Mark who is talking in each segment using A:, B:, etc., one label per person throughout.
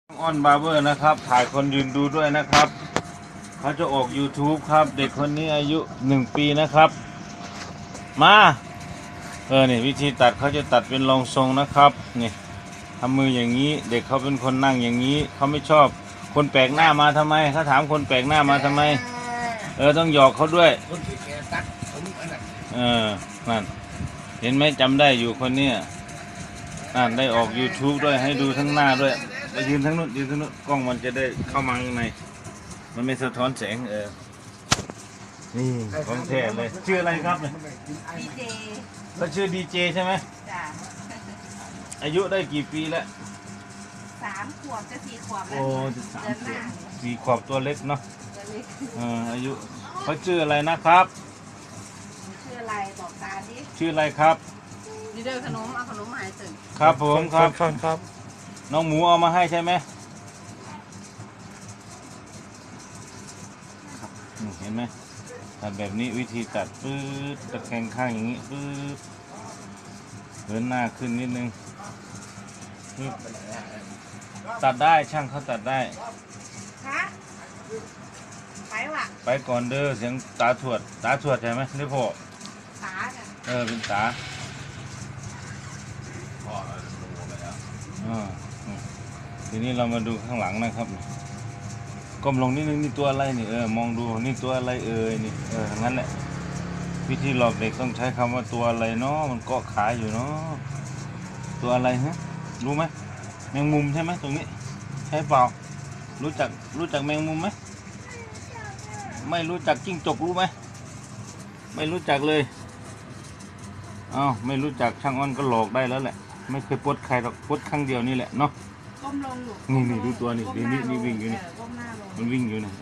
A: อ้อนบาร์เบอร์นะครับถ่ายคนยืนดูด้วยนะครับเขาจะออก YouTube ครับเด็กคนนี้อายุ1 ปีนะครับมานี่วิธีตัดเขาจะตัดเป็นรองทรงนะครับนี่ทำมืออย่างนี้เด็กเขาเป็นคนนั่งอย่างนี้เขาไม่ชอบคนแปลกหน้ามาทำไมเขาถามคนแปลกหน้ามาทำไมต้องหยอกเขาด้วยนั่นเห็นไหมจำได้อยู่คนนี้นั่นได้ออก YouTube ด้วยให้ดูทั้งหน้าด้วยไปยืนทั้งนู้นยืนทั้งนู้นกล้องมันจะได้เข้ามาข้างในมันไม่สะท้อนแสงนี่ของแท้เลยชื่ออะไรครับเนี่ย
B: ดีเจ
A: ก็ชื่อดีเจใช่ไหม
B: จ้ะ
A: อายุได้กี่ปีแล้ว
B: 3 ขวบจะ4 ขวบแล้
A: โอ้
B: ว
A: จะสาม
B: เดือน
A: ข
B: ห
A: ว
B: น้า
A: บ4 ขวบตัวเล็กเนาะ
B: ตัวเล็ก
A: อายุเขาชื่ออะไรนะครับ
B: ชื่ออะไรบอกตาดิ
A: ชื่ออะไรครับ
B: ดีเดอร์ขนมเอาขนมมาให้ตื่น
A: ครับผมครับ
C: ครับ
A: น้องหมูเอามาให้ใช่ไหมครับเห็นไหมตัดแบบนี้วิธีตัดปื๊ดตะแคงข้างอย่างนี้ปื๊ดเหินหน้าขึ้นนิดนึงปึ๊บตัดได้ช่างเขาตัดได้
B: คะไปว่ะ
A: ไปก่อนเด้อเสียงตาถวดใช่ไหมหรือพ่อ
B: ตาจ้ะ
A: เป็นตาพ่อรู้ไปแล้วทีนี้เรามาดูข้างหลังนะครับก้มลงนิดนึงนี่ตัวอะไรนี่มองดูนี่ตัวอะไรนี่งั้นแหละวิธีหลอกเด็กต้องใช้คำว่าตัวอะไรเนาะมันเกาะขาอยู่เนาะตัวอะไรฮะรู้ไหมแมงมุมใช่ไหมตรงนี้ใช่เปล่ารู้จักแมงมุมไหมไม่รู้จักจิ้งจกรู้ไหมไม่รู้จักเลยไม่รู้จักช่างอ้อนก็หลอกได้แล้วแหละไม่เคยปลดใครหรอกปลดครั้งเดียวนี่แหละเนาะ
B: ก้มลงอยู่
A: นี่ดูตัวนี่
B: ก้มหา
A: นี่วิ่งอยู่นี่
B: ก้มหน้าลง
A: มันวิ่งอยู่นี่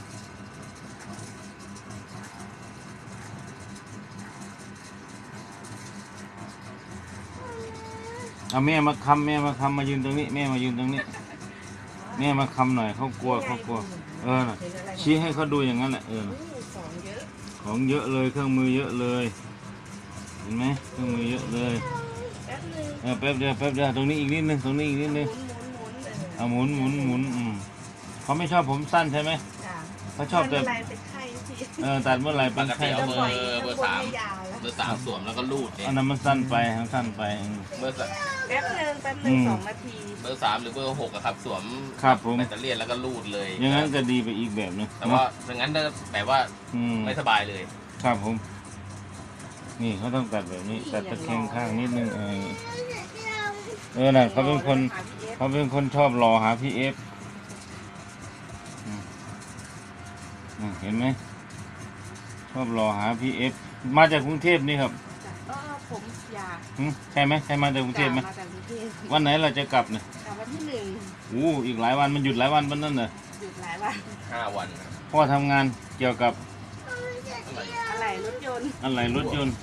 A: เอาแม่มาคำมายืนตรงนี้แม่มายืนตรงนี้แม่มาคำหน่อยเขากลัวน่ะชี้ให้เขาดูอย่างนั้นแหละของเยอะเลยเครื่องมือเยอะเลยเห็นไหมเครื่องมือเยอะเลยแป๊บเดียวตรงนี้อีกนิดนึงหมุนเขาไม่ชอบผมสั้นใช่ไหม
B: จ้ะ
A: เขาชอบแต่
B: อะไรเป็นไข้ที
A: ตัดเมื่อไหร่เป็นไข้
D: เอา
A: เมื่อ
D: เบ
A: ไห
D: อ
A: ร่
D: ร์เบอร์สาม
B: ไม่ยาวแล้ว
D: เบอร์สามสวมแล้วก็รูดเนี่ย
A: อันนั้นมันสั้นไป
D: เบอร์สาม
B: แป๊บนึง2 นาที
D: เบอร์สามหรือเบอร์หกอะครับสวม
A: ครับผม
D: แบตเตอรี่แล้วก็รูดเลย
A: อย่างนั้นก็ดีไปอีกแบบนึง
D: แต่ว่าอย่างนั้นแบบว่า ไม่สบายเลย
A: ครับผมนี่เขาต้องตัดแบบนี้ตัดตะแคงข้างนิดนึงน่ะเขาเป็นคนชอบรอหาพี่เอฟเห็นไหมชอบรอหาพี่เอฟมาจากกรุงเทพนี่ครับ
B: ผมอยาก
A: ใช่ไหมใช่มาจากกรุงเทพไหม
B: มาจากกรุงเทพ
A: วันไหนเราจะกลับเนี่ย
B: กลับวันที่1
A: อีกหลายวันมันหยุดหลายวันวันนั้นเหรอ
B: หยุดหลายวัน
D: 5 วัน
A: พ่อทำงานเกี่ยวกับ
B: อะไรรถยนต์
A: อะไรรถยนต์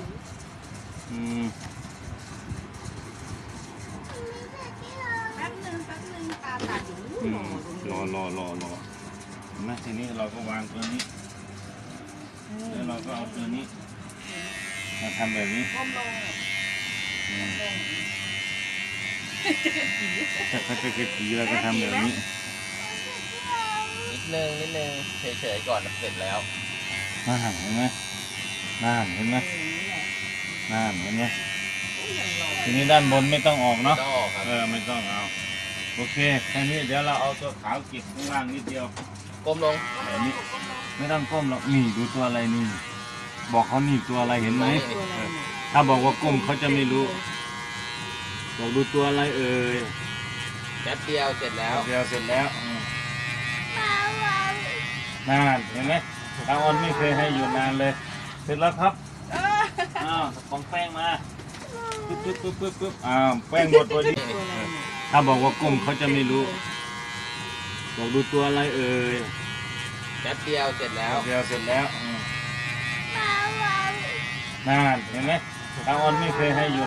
B: แป๊บนึงตาตัดอยู่
A: รอนะทีนี้เราก็วางตัวนี้แล้วเราก็เอาตัวนี้มาทำแบบนี้
B: ก้มลง
A: ถ้าเขาจะกระตีเราก็ทำแบบนี้
D: นิดนึงเฉยๆก่อนเสร็จแล้ว
A: เห็นไหมเห็นไหมทีนี้ด้านบนไม่ต้องออกเนาะ
D: ต้องออกครับ
A: ไม่ต้องเอาโอเคแค่นี้เดี๋ยวเราเอาตัวขาวเก็บข้างล่างนิดเดียว
D: ก้มลง
A: แบบนี้ไม่ต้องก้มหรอกนี่ดูตัวอะไรนี่บอกเขานี่ตัวอะไรเห็นไหมถ้าบอกว่าก้มเขาจะไม่รู้บอกดูตัวอะไร
D: แป๊บเดียวเสร็จแล้ว
A: เดียวเสร็จแล้วนานเห็นไหมตาออนไม่เคยให้อยู่นานเลย เสร็จแล้วครับของแป้งมาปึ๊บแป้งหมดพอดีถ้าบอกว่าก้มเขาจะไม่รู้บอกดูตัวอะไร
D: แป๊บเดียวเสร็จแล้ว
A: เดียวเสร็จแล้วนานเห็นไหมตาออนไม่เคยให้อยู่